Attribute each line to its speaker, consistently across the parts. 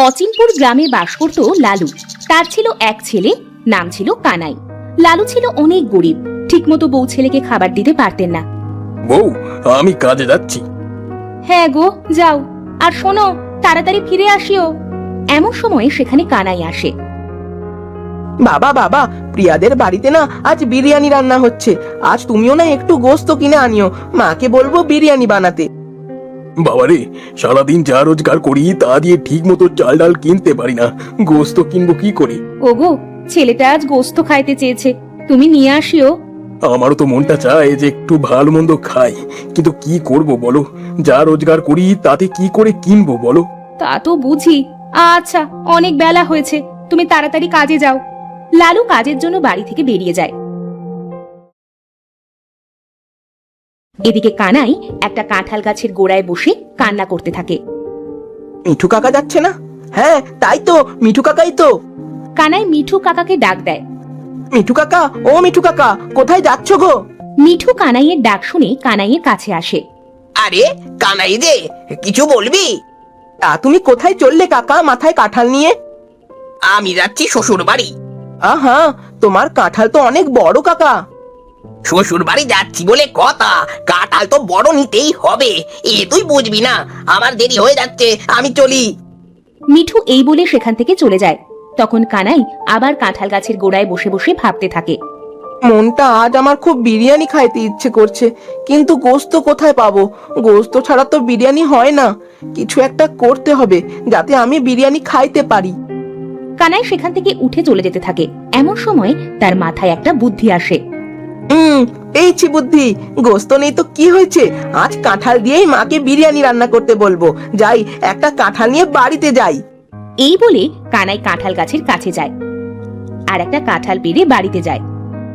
Speaker 1: অচিনপুর গ্রামে বাস করত লালু। তার ছিল এক ছেলে, নাম ছিল কানাই। লালু ছিল অনেক গরিব, ঠিকমতো বউ ছেলেকে খাবার দিতে পারতেন না।
Speaker 2: বউ, আমি কাজে যাচ্ছি।
Speaker 1: হ্যাঁ গো, যাও, আর শোনো, তাড়াতাড়ি ফিরে আসিও। এমন সময় সেখানে কানাই আসে।
Speaker 3: বাবা বাবা, প্রিয়াদের বাড়িতে না আজ বিরিয়ানি রান্না হচ্ছে। আজ তুমিও না একটু গোস্ত কিনে আনিও, মাকে বলবো বিরিয়ানি বানাতে।
Speaker 2: বাবারে, সারাদিন যা রোজগার করি তা দিয়ে ঠিক মতো চাল ডাল কিনতে পারি না, গোস্ত কিনবো কি করে?
Speaker 1: ওগো, ছেলেটা আজ গোস্ত খাইতে চেয়েছে, তুমি নিয়ে আসিও।
Speaker 2: আমারও তো মনটা চায় যে একটু ভালো মন্দ খাই, কিন্তু কি করব বলো? যা রোজগার করি তাতে কি করে কিনবো বলো?
Speaker 1: তা তো বুঝি। আচ্ছা, অনেক বেলা হয়েছে, তুমি তাড়াতাড়ি কাজে যাও। লালু কাজের জন্য বাড়ি থেকে বেরিয়ে যায়। এদিকে কানাই একটা কাঁঠাল গাছের গোড়ায় বসে কান্না করতে থাকে।
Speaker 3: মিঠু কাকা যাচ্ছে না? হ্যাঁ তাই তো, মিঠু কাকাই তো।
Speaker 1: কানাই মিঠু কাকাকে ডাক দেয়।
Speaker 3: মিঠু কাকা, ও মিঠু কাকা, কোথায় যাচ্ছ গো?
Speaker 1: মিঠু কানাইয়ের ডাক শুনে কানাইয়ের কাছে আসে।
Speaker 4: আরে কানাই যে, কিছু বলবি?
Speaker 3: তা তুমি কোথায় চললে কাকা, মাথায় কাঁঠাল নিয়ে?
Speaker 4: আমি যাচ্ছি শ্বশুর বাড়ি।
Speaker 3: আহা, তোমার কাঁঠাল তো অনেক বড় কাকা।
Speaker 4: শ্বশুর বাড়ি যাচ্ছি বলে কথা, কাঁঠাল তো বড় নিতেই হবে। এ তুই বুঝবি না? আমার দেরি হয়ে যাচ্ছে, আমি চলি।
Speaker 1: মিঠু এই বলে সেখান থেকে চলে যায়। তখন কানাই আবার কাঁঠাল গাছের গোড়ায় বসে বসে ভাবতে থাকে।
Speaker 3: মনটা আজ আমার খুব বিরিয়ানি খাইতে ইচ্ছে করছে, কিন্তু গোস্ত কোথায় পাবো? গোস্ত ছাড়া তো বিরিয়ানি হয় না। কিছু একটা করতে হবে যাতে আমি বিরিয়ানি খাইতে পারি।
Speaker 1: কানাই সেখান থেকে উঠে চলে যেতে থাকে। এমন সময় তার মাথায় একটা বুদ্ধি আসে।
Speaker 3: পেয়েছি বুদ্ধি। গোস্ত নেই তো কি হয়েছে, আজ কাঁঠাল দিয়েই মাকে বিরিয়ানি রান্না করতে বলবো। যাই, একটা কাঁঠাল নিয়ে বাড়িতে যাই।
Speaker 1: এই বলে কানাই কাঁঠাল গাছের কাছে যায় আর একটা কাঁঠাল পেড়ে বাড়িতে যায়।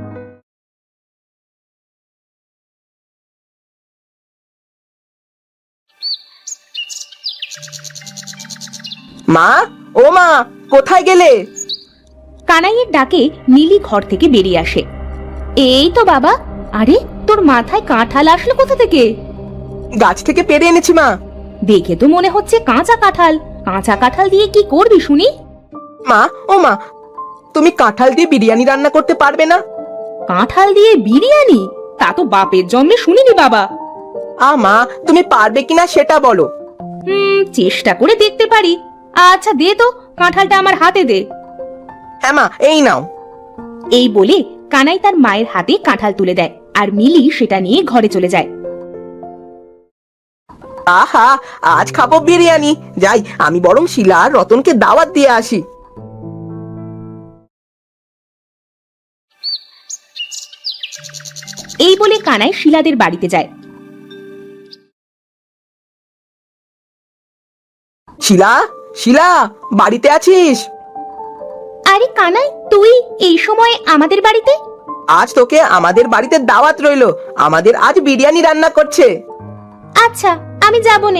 Speaker 3: মা, ও মা, কোথায় গেলে?
Speaker 1: কানাইয়ের ডাকে নীলি ঘর থেকে বেরিয়ে আসে। এই তো বাবা। আরে, তোর মাথায় কাঁঠাল আসলো কোথা থেকে?
Speaker 3: গাছ থেকে পেরে এনেছি মা।
Speaker 1: দেখে তো মনে হচ্ছে কাঁচা কাঁঠাল। কাঁচা কাঁঠাল দিয়ে কি করবি শুনি?
Speaker 3: মা, ও মা, তুমি কাঁঠাল দিয়ে বিরিয়ানি রান্না করতে পারবে না?
Speaker 1: কাঁঠাল দিয়ে বিরিয়ানি? তা তো বাপের জন্মে শুনিনি বাবা।
Speaker 3: মা, তুমি পারবে কিনা সেটা বলো।
Speaker 1: চেষ্টা করে দেখতে পারি। আচ্ছা দে তো, কাঁঠালটা আমার হাতে দে।
Speaker 3: হ্যাঁ মা, এই নাও।
Speaker 1: এই বলে কানাই তার মায়ের হাতে কাঁঠাল তুলে দেয় আর মিলি সেটা নিয়ে ঘরে চলে যায়।
Speaker 3: আহা, আজ খাবো বিরিয়ানি। যাই, আমি বরং শিলা আর রতনকে দাওয়াত দিয়ে আসি।
Speaker 1: এই বলে কানাই শিলাদের বাড়িতে যায়।
Speaker 3: শিলা, শিলা, বাড়িতে আছিস?
Speaker 1: আরে কানাই, তুই এই সময় আমাদের বাড়িতে?
Speaker 3: আজ তোকে আমাদের বাড়িতে দাওয়াত রইলো। আমাদের আজ বিরিয়ানি রান্না করছে।
Speaker 1: আচ্ছা, আমি যাব নে।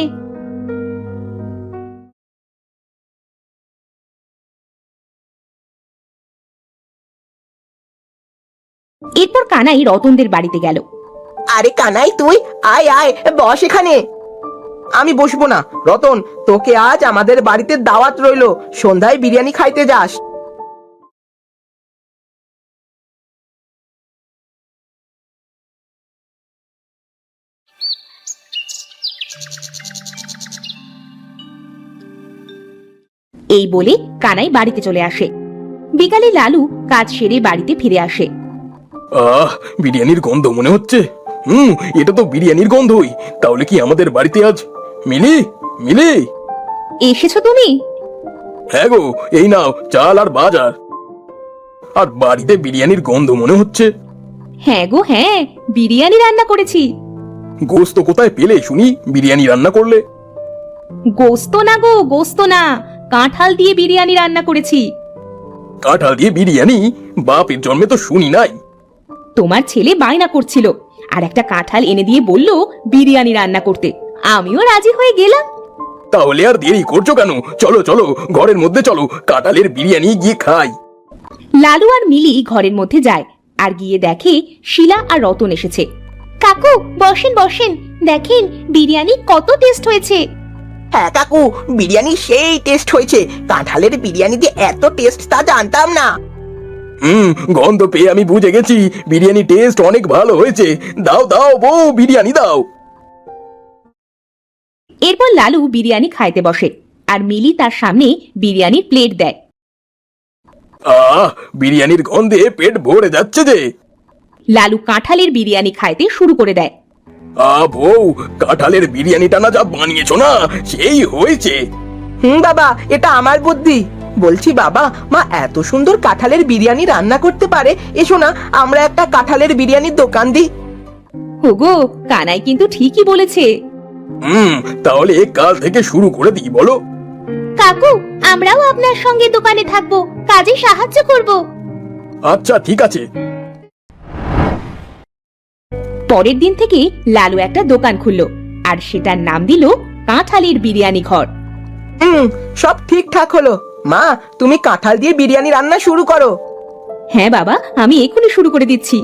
Speaker 1: এরপর কানাই রতনদের বাড়িতে গেল।
Speaker 3: আরে কানাই, তুই আয় আয়, বস এখানে। আমি বসবো না রতন, তোকে আজ আমাদের বাড়িতে দাওয়াত রইলো। সন্ধ্যায় বিরিয়ানি খাইতে যাস।
Speaker 1: এই বলে কানাই বাড়িতে চলে আসে। বিকালে লালু কাজ সেরে বাড়িতে ফিরে আসে।
Speaker 2: বিরিয়ানির গন্ধ মনে হচ্ছে। এটা তো বিরিয়ানির গন্ধই। তাহলে কি আমাদের বাড়িতে আজ মিলি? মিলি,
Speaker 1: এসেছো তুমি?
Speaker 2: হ্যাঁ গো, এই নাও চাল আর বাজার। আর বাড়িতে বিরিয়ানির গন্ধ মনে হচ্ছে।
Speaker 1: হ্যাঁ গো, হ্যাঁ, বিরিয়ানি রান্না করেছি।
Speaker 2: গোস্ত কোথায় পেলে শুনি বিরিয়ানি রান্না করলে?
Speaker 1: গোস্ত না গো, গোস্ত না, কাঁঠাল দিয়ে বিরিয়ানি রান্না করেছি।
Speaker 2: কাঁঠাল দিয়ে বিরিয়ানি? বাপের জন্মে তো শুনি নাই।
Speaker 1: তোমার ছেলে বায়না করছিল আর একটা কাঁঠাল এনে দিয়ে বলল বিরিয়ানি রান্না করতে। আমিও রাজি হয়ে গেলাম।
Speaker 2: তাহলে আর দেরি করছো কেন? চলো চলো, ঘরের মধ্যে চলো, কাঁঠালের বিরিয়ানি গিয়ে খাই।
Speaker 1: লালু আর মিলি ঘরের মধ্যে যায় আর গিয়ে দেখে শিলা আর রতন এসেছে। কাকু, বসেন বসেন, দেখেন বিরিয়ানি কত টেস্ট হয়েছে।
Speaker 4: হ্যাঁ কাকু, বিরিয়ানি সেই টেস্ট হয়েছে। কাঁঠালের বিরিয়ানি যে এত টেস্ট তা জানতাম না।
Speaker 2: গন্ধ পেয়ে আমি বুঝে গেছি বিরিয়ানি টেস্ট অনেক ভালো হয়েছে। দাও দাও বউ, বিরিয়ানি দাও।
Speaker 1: এরপর লালু বিরিয়ানি খাইতে বসে আর মিলি তার সামনে বিরিয়ানির প্লেট দেয়।
Speaker 2: বিরিয়ানির গন্ধে পেট ভরে যাচ্ছে যে।
Speaker 1: লালু কাঁঠালের বিরিয়ানি খাইতে শুরু করে দেয়।
Speaker 2: বউ, কাঁঠালের বিরিয়ানিটা না যা বানিয়েছো না, সেই হয়েছে।
Speaker 3: বাবা, এটা আমার বুদ্ধি। বলছি বাবা, মা এত সুন্দর কাঁঠালের বিরিয়ানি রান্না করতে পারে। এসো না, আমরা একটা কাঁঠালের বিরিয়ানির দোকান দিই।
Speaker 1: ওগো, কানাই কিন্তু ঠিকই বলেছে।
Speaker 2: তাহলে কাল থেকে শুরু করে দিই বলো।
Speaker 1: কাকু, আমরাও আপনার সঙ্গে দোকানে থাকবো, কাজে সাহায্য করব।
Speaker 2: আচ্ছা ঠিক আছে।
Speaker 1: পরের দিন থেকে লালু একটা দোকান খুললো আর সেটার নাম দিল কাঁঠালের বিরিয়ানি ঘর।
Speaker 3: সব ঠিকঠাক হলো। মা, তুমি কাঁঠাল দিয়ে বিরিয়ানি রান্না শুরু করো।
Speaker 1: হ্যাঁ বাবা, আমি এখনই শুরু করে দিচ্ছি।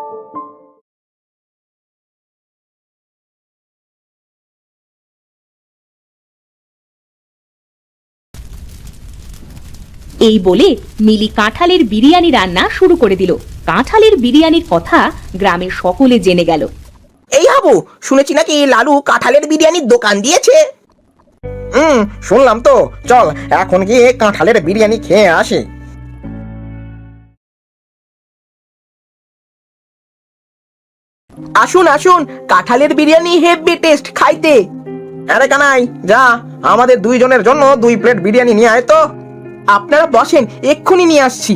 Speaker 1: এই বলে মিলি কাঁঠালের বিরিয়ানি রান্না শুরু করে দিল। কাঁঠালের বিরিয়ানির কথা গ্রামের সকলে জেনে গেল।
Speaker 4: এই হাবু, শুনেছি নাকি লালু কাঁঠালের বিরিয়ানির দোকান দিয়েছে। শুনলাম তো। চল এখন গিয়ে কাঁঠালের বিরিয়ানি খেয়ে আসি।
Speaker 3: আসুন আসুন, কাঁঠালের বিরিয়ানি হেভি টেস্ট খাইতে।
Speaker 4: আরে কানাই, যা আমাদের দুইজনের জন্য 2 প্লেট বিরিয়ানি নিয়ে আয় তো।
Speaker 3: আপনারা বসেন, এক্ষুনি নিয়ে আসছি।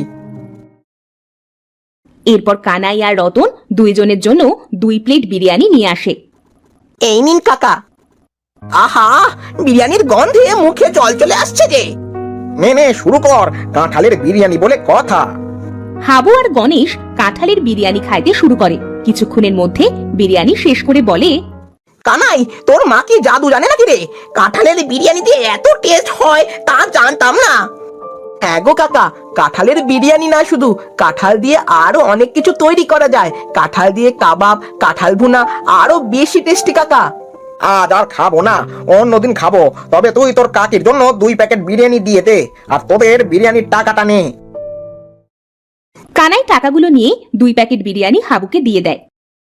Speaker 1: এরপর কানাই আর রতন দুইজনের জন্য 2 প্লেট বিরিয়ানি নিয়ে আসে।
Speaker 4: এই নিন কাকা। আহা, বিরিয়ানির গন্ধে মুখে জল চলে আসছে যে। নে শুরু কর, কাঁঠালের বিরিয়ানি বলে কথা।
Speaker 1: হাবু আর গণেশ কাঁঠালের বিরিয়ানি খাইতে শুরু করে। কিছুক্ষণের মধ্যে বিরিয়ানি শেষ করে বলে,
Speaker 4: কানাই, তোর মা কি জাদু জানে নাকি রে? কাঁঠালের বিরিয়ানি দিয়ে এত টেস্ট হয় তা জানতাম না।
Speaker 3: হ্যাঁ গো কাকা, কাঁঠালের বিরিয়ানি না শুধু, কাঁঠাল দিয়ে আরো অনেক কিছু তৈরি করা যায়। কাঁঠাল দিয়ে কাবাব, কাঁঠাল ভুনা, আরো বেশি টেস্টি কাকা।
Speaker 4: আজ আর খাবো না, অন্যদিন খাবো। তবে তুই তোর কাকির জন্য 2 প্যাকেট বিরিয়ানি দিয়ে দে, আর তোদের বিরিয়ানির টাকাটা নে।
Speaker 1: কানাই টাকাগুলো নিয়ে 2 প্যাকেট বিরিয়ানি হাবুকে দিয়ে দেয়।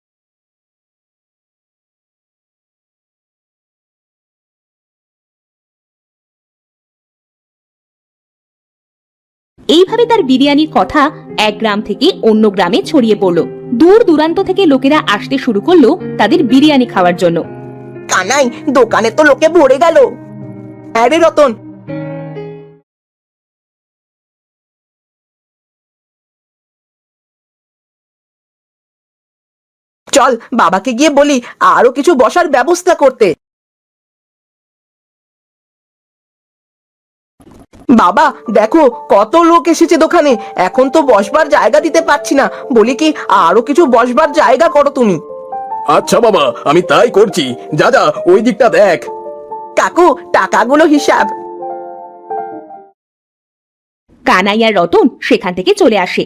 Speaker 1: এইভাবে তার বিরিয়ানির কথা এক গ্রাম থেকে অন্য গ্রামে ছড়িয়ে পড়ল। দূর দূরান্ত থেকে লোকেরা আসতে শুরু করলো তাদের বিরিয়ানি খাওয়ার জন্য।
Speaker 3: কানাই, দোকানে তো লোকে ভরে গেল। আরে রতন, চল বাবাকে গিয়ে বলি আরো কিছু বসার ব্যবস্থা করতে। বাবা দেখো, কত লোক এসেছে দোকানে, এখন তো বসবার জায়গা দিতে পারছি না। বলি কি, আরো কিছু বসবার জায়গা করো তুমি।
Speaker 2: আচ্ছা বাবা, আমি তাই করছি। যা যা, ওই দিকটা দেখ।
Speaker 3: কাকু, টাকাগুলো হিসাব।
Speaker 1: কানাই আর রতন সেখান থেকে চলে আসে।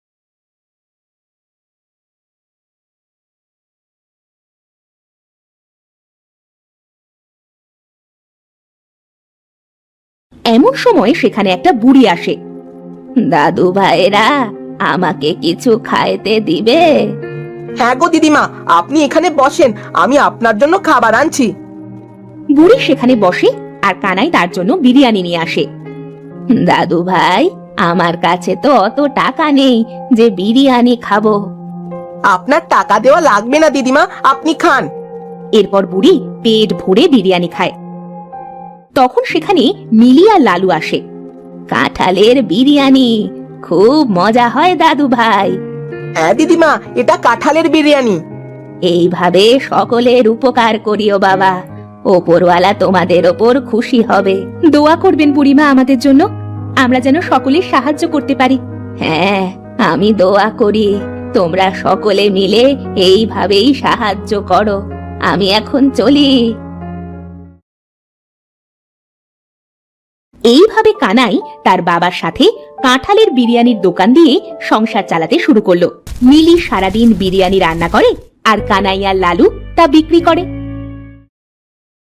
Speaker 1: এমন সময় সেখানে একটা বুড়ি আসে। দাদু ভাইরা, আমাকে কিছু খাইতে দিবে?
Speaker 3: হ্যাঁ গো দিদিমা, আপনি এখানে বসেন, আমি আপনার জন্য খাবার আনছি।
Speaker 1: বুড়ি সেখানে বসে আর কানাই তার জন্য বিরিয়ানি নিয়ে আসে। দাদু ভাই, আমার কাছে তো অত টাকা নেই যে বিরিয়ানি খাবো।
Speaker 3: আপনার টাকা দেওয়া লাগবে না দিদিমা, আপনি খান।
Speaker 1: এরপর বুড়ি পেট ভরে বিরিয়ানি খায়। তখন সেখানে মিলি আর লালু আসে। কাঁঠালের বিরিয়ানি খুব মজা হয় দাদু ভাই।
Speaker 3: হ্যাঁ দিদিমা, এটা কাঁঠালের বিরিয়ানি।
Speaker 1: এইভাবে সকলের উপকার করিও বাবা, ওপরওয়ালা তোমাদের ওপর খুশি হবে। দোয়া করবেন বুড়িমা আমাদের জন্য, আমরা যেন সকলের সাহায্য করতে পারি। হ্যাঁ, আমি দোয়া করি তোমরা সকলে মিলে এইভাবেই সাহায্য করো। আমি এখন চলি। এইভাবে কানাই তার বাবার সাথে কাঁঠালের বিরিয়ানির দোকান দিয়ে সংসার চালাতে শুরু করলো। মিলি সারাদিন বিরিয়ানি রান্না করে আর কানাই আর লালু তা বিক্রি করে।